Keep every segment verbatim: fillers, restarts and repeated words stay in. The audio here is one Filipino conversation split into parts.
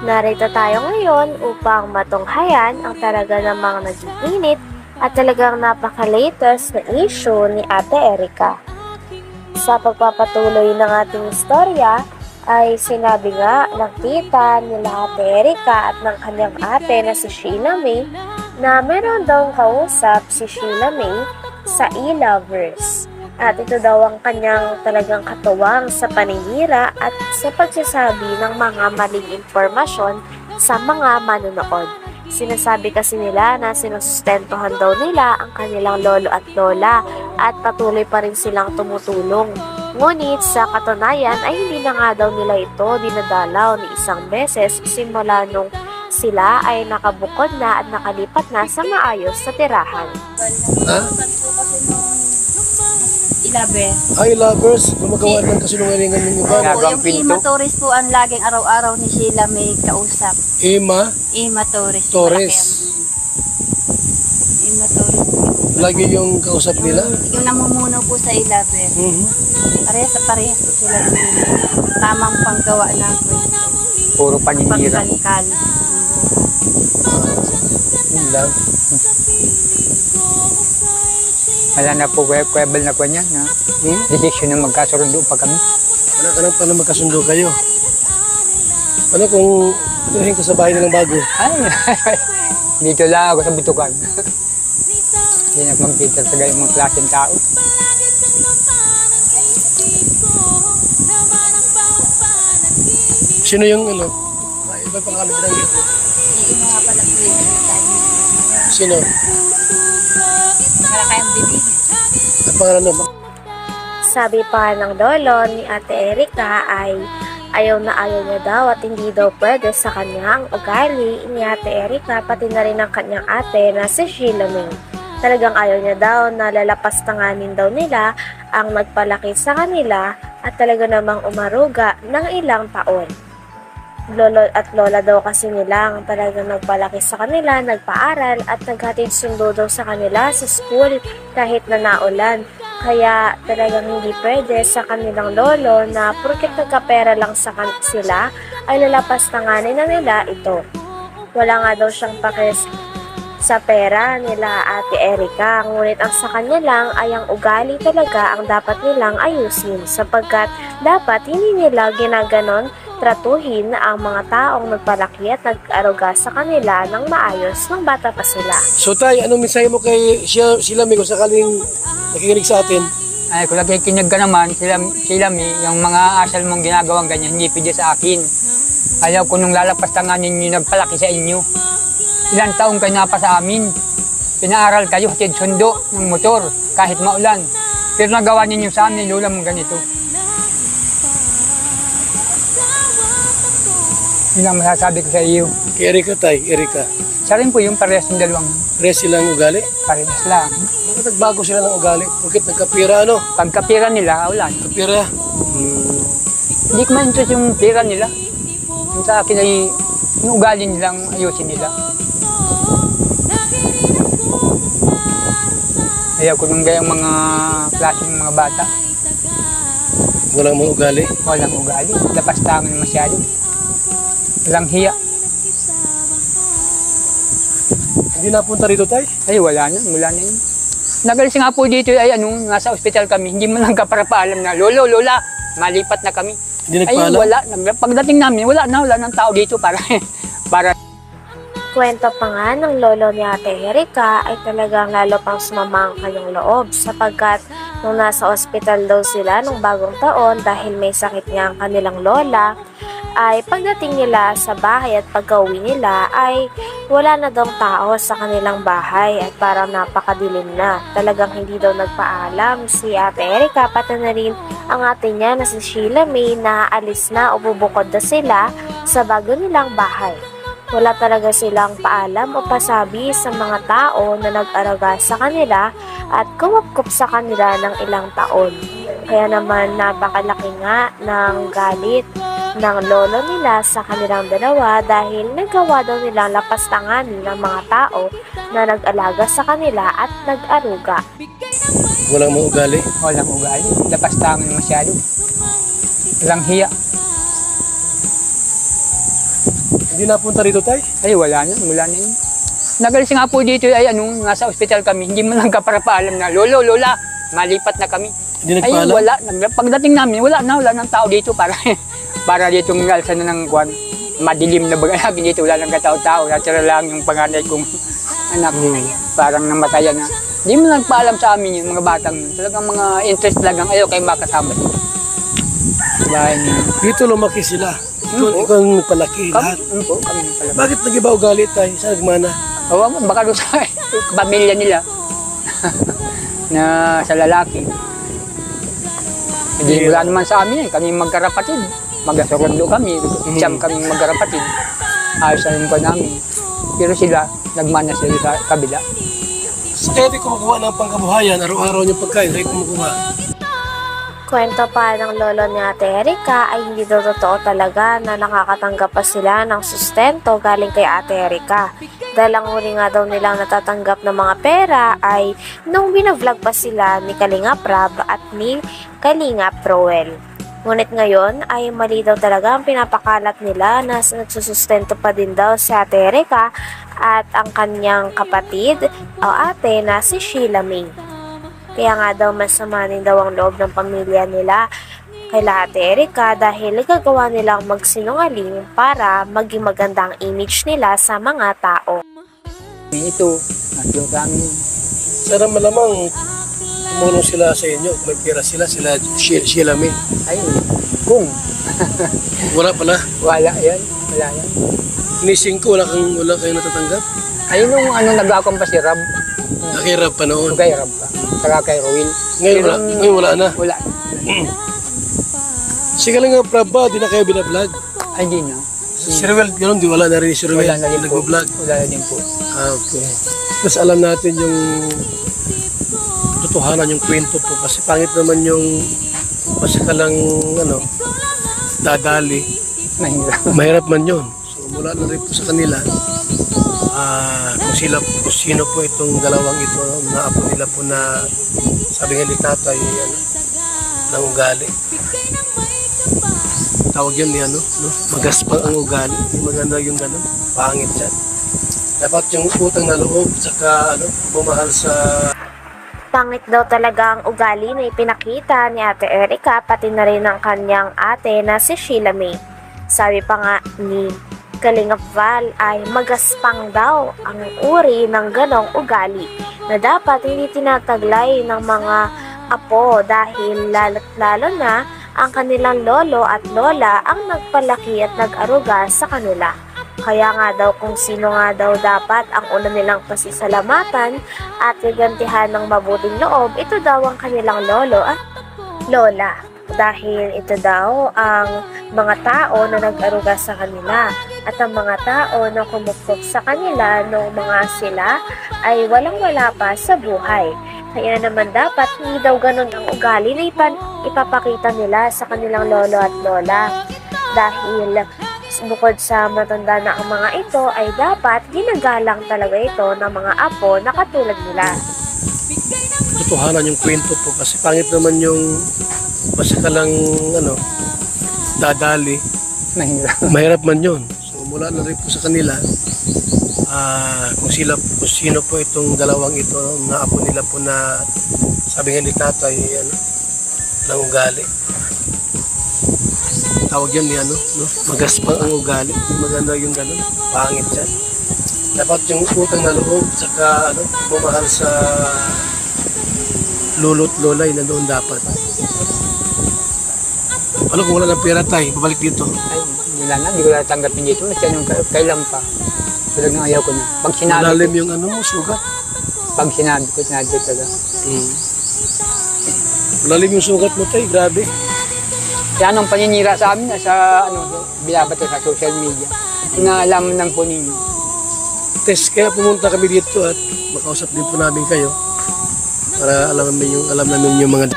Narito tayo ngayon upang matunghayan ang talaga namang nag-iinit at talagang napaka-latest na issue ni Ate Erica. Sa pagpapatuloy ng ating istorya ay sinabi nga ng tita nila Ate Erica at ng kanyang ate na si Sheila May na meron daw kausap si Sheila May sa e-lovers. At ito daw ang kanyang talagang katuwang sa paninira at sa pagsasabi ng mga maling impormasyon sa mga manonood. Sinasabi kasi nila na sinusustentuhan daw nila ang kanilang lolo at lola at patuloy pa rin silang tumutulong. Ngunit sa katunayan ay hindi na nga daw nila ito dinadalaw ni isang beses simula nung sila ay nakabukod na at nakalipat na sa maayos na tirahan. Ha? Ilabe. Ay, lovers, gumagawa ng kasinungalingan ng iba. Po, yung Ima Torres po ang laging araw-araw ni Sheila may kausap. Ima Ima Torres. Torres. Ima Torres. Lagi yung kausap nila. Yung, yung namumuno po sa Ilabe. Mm-hmm. Parehas sa parehas po sila ng tamang panggawa ng kwento. Puro paninira. Pagkalkal. Yun lang. Wala na po, kwebel na ko niya na Hmm? desisyon na magkasundo pa kami. Wala ka lang pala magkasundo kayo. Ano kung tuhin ka sa bahay nilang bago? Ay, dito lang ako sa butukan. Hindi na magkita sa gayong mga klaseng tao. Sino yung ano? Ay, iba pangalan ng Yung mga pala po yung Sino? para kayang bibig. Ang pangalan naman? Sabi pa ng lolo ni Ate Erica ay ayaw na ayaw niya daw at hindi daw pwede sa kanyang ugali ni Ate Erica pati na rin ang kanyang ate na si Sheila May. Talagang ayaw niya daw na lalapastanganin daw nila ang nagpalaki sa kanila at talaga namang umaruga ng ilang taon. Lolo at lola daw kasi nila ang talagang nagpalaki sa kanila, nagpaaral at naghatid sundo daw sa kanila sa school kahit na naulan. Kaya talagang hindi pwede sa kanilang lolo na porket nagkapera lang sa kan- sila ay lalapastanganin na nila ito. Wala nga daw siyang pakis sa pera nila Ate Erica, ngunit ang sa kanya lang ay ang ugali talaga ang dapat nilang ayusin sapagkat dapat hindi nila ginaganon tratuhin ang mga taong nagpalaki at nag-aruga sa kanila ng maayos ng bata pa sila. So tay, anong mensahe mo kay Sheila, Sheila May kung sakaling nakikinig sa atin? Ay, kung nakikinig ka naman, sila, sila mi, yung mga asal mong ginagawang ganyan, hindi pwede sa akin. Ayaw ko nung lalapastanganin ninyo nagpalaki sa inyo. Ilang taong kayo napa sa amin. Pinaaral kayo, hatid sundo ng motor, kahit maulan. Pero nagawa ninyo sa amin, lula mong ganito. Yun ang masasabi ko sa iyo. Kay Erica tay, Erica. Siya rin po yung parehas ng dalawang Res silang ugali? parehas lang. Bakit nagbago sila ng ugali? Bakit nagkapira ano? Pagkapira nila, wala. Kapira? Hmm. Hindi ko ma-interest yung pira nila. Yung sa akin ay yung ugali nilang ayusin nila. Ayaw ko nung gayang mga klaseng mga bata. Walang mga ugali? Walang ugali. Lapastangan masyado. Walang hiya. Hindi napunta rito tay? Ay, wala na. Wala na yun. Nagalis nga po dito ay ano, nasa ospital kami. Hindi mo lang ka para paalam na, Lolo, Lola, malipat na kami. Hindi Ay, nagpaalam? wala. Pagdating namin, wala na. Wala ng tao dito para para Kwento pa nga ng lolo ni Ate Erica ay talagang lalo pang sumama ang kanyang loob sapagkat nung nasa ospital daw sila nung bagong taon dahil may sakit nga ang kanilang lola, ay pagdating nila sa bahay at pagka-uwi nila ay wala na daw tao sa kanilang bahay at parang napakadilim na. Talagang hindi daw nagpaalam si Ate Erica pati na rin ang ate niya na si Sheila May na alis na o bubukod na sila sa bago nilang bahay. Wala talaga silang paalam o pasabi sa mga tao na nag-araga sa kanila at kumapkup sa kanila ng ilang taon. Kaya naman napakalaki nga ng galit ng lolo nila sa kanilang dalawa dahil nagawa daw nilang lapastanganin ng mga tao na nag-alaga sa kanila at nag-aruga. Walang mga ugali? walang ugali. Lapastangan masyado. Walang hiya. Hindi napunta rito, tay? Ay, wala na, wala na yun. Nagalis nga po dito ay ano, nasa ospital kami, hindi mo lang kaparapaalam na, lolo, lola, malipat na kami. Hindi Ay, nagpaalam? wala. Nag- Pagdating namin, wala na, wala ng tao dito para para dito ng alsa na ng kwan. Madilim na baga lagi dito, wala nang katao-tao. Natira lang yung panganay kong anak, parang namatayan na. Hindi mo nagpaalam sa amin yung mga batang yun. Talagang mga interest talagang ayaw kayo makasama dito. Bahay niyo. Dito lumaki sila. Ikaw, Hmm, ikaw ang nagpalaki Kami, lahat. ano po, kami pala. Bakit nag-iba ugali, tay? Saan nagmana? Oo, baka doon sa pamilya nila na sa lalaki. Hindi wala naman sa amin eh. Kami magkarapatid. Magkasurundo kami. Siyam kami magkarapatid. Ayos na yung pa namin. Pero sila, nagmana sila sa kabila. So, kaya di kumukuha ng pangkabuhayan, araw-araw yung pagkain, kaya kumukuha. Kwento pa ng lolo ni Ate Erika ay hindi daw totoo talaga na nakakatanggap pa sila ng sustento galing kay Ate Erika. Dahil ang huli nga daw nilang natatanggap ng mga pera ay nung binavlog pa sila ni Kalinga Prab at ni Kalinga Proel. Ngunit ngayon ay mali daw talaga ang pinapakalat nila na nagsusustento pa din daw si Ate Erika at ang kanyang kapatid o ate na si Sheila May. Kaya nga daw masama din daw ang loob ng pamilya nila kay Ate Erika dahil nagagawa nilang magsinungaling para maging maganda ang image nila sa mga tao. Ito, natlo kami. Sana malamang tumulong sila sa inyo. Kung may pera sila, sila Sheila, Sheila May. Ay, kung Wala pala. wala yan, wala yan. Nising ko, wala, kang, wala kayong natatanggap. Ayun nung ano, nag-akong pa si Rab. Nakirap pa noon. Kay Rab pa. Saka kay Roel. Ngayon wala, Pero, ngayon wala na. Wala. Sige lang nga, Prab ba? Di na kayo binablog. Ay, di na. Si Ruel, gano'n, di wala na rin si Ruel. Wala na din po. Nag-vlog. Wala na din po. Ah, okay. Mas alam natin yung totohanan, yung kwento po. Kasi pangit naman yung basta ka lang, ano, dadali. Mahirap. Mahirap man yun. So, mula na rin po sa kanila, ah, kung sila, kung sino po itong dalawang ito, na apo nila po na, sabi nga ni tatay, ano, ng ugali. Tawag yan ni ano, no? Magaspang ang ugali. Hindi maganda yung gano'n. Pangit yan. Dapat yung utang na loob, saka ano, bumahal sa... Pangit daw talaga ang ugali na ipinakita ni Ate Erika pati na rin ang kanyang ate na si Sheila May. Sabi pa nga ni Kalinga Val ay magaspang daw ang uri ng ganong ugali na dapat hindi tinataglay ng mga apo dahil lalo't lalo na ang kanilang lolo at lola ang nagpalaki at nag-aruga sa kanila. Kaya nga daw kung sino nga daw dapat ang una nilang pasisalamatan at gagantihan ng mabuting loob, ito daw ang kanilang lolo at lola. Dahil ito daw ang mga tao na nag-aruga sa kanila at ang mga tao na kumukop sa kanila noong mga sila ay walang-wala pa sa buhay. Kaya naman dapat hindi daw ganun ang ugali na ipan, ipapakita nila sa kanilang lolo at lola. Dahil bukod sa matanda na ang mga ito ay dapat ginagalang talaga ito ng mga apo na katulad nila. Totohanan yung kwento po. Kasi pangit naman yung basta ka lang, ano, dadali. Mahirap. Mahirap man yun. So, mula na rin po sa kanila, ah, kung sila, kung sino po itong dalawang ito, na apo nila po na, sabi nga ni tatay, ano, ng ugali. Tawag yan ni ano, no? Magaspang ang ugali. Hindi maganda yung gano'n. Pangit yan. Dapat yung utang na loob, saka ano, bumahal sa lolo't lola, yun na doon dapat. Ano kung wala ng pera tayo, babalik dito. Ay, wala na, hindi ko natanggapin dito. Kasi anong ka- kailan pa. Talagang ayaw ko na. Pag sinabi Malalim ko, yung ano mo, sugat. pag sinabi ko, sinabi ko talaga. Hmm. Malalim yung sugat mo tayo, grabe. Kaya anong paninira sa amin, sa ano, binabato sa social media. Inaalaman lang po ninyo. Tess, kaya pumunta kami dito at makausap din po namin kayo para alam namin yung, alam namin yung mga...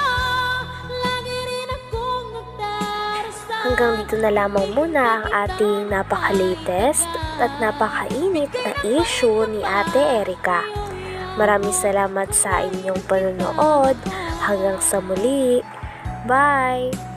Hanggang dito na lamang muna ang ating napaka-latest at napakainit na issue ni Ate Erika. Maraming salamat sa inyong panonood. Hanggang sa muli. Bye!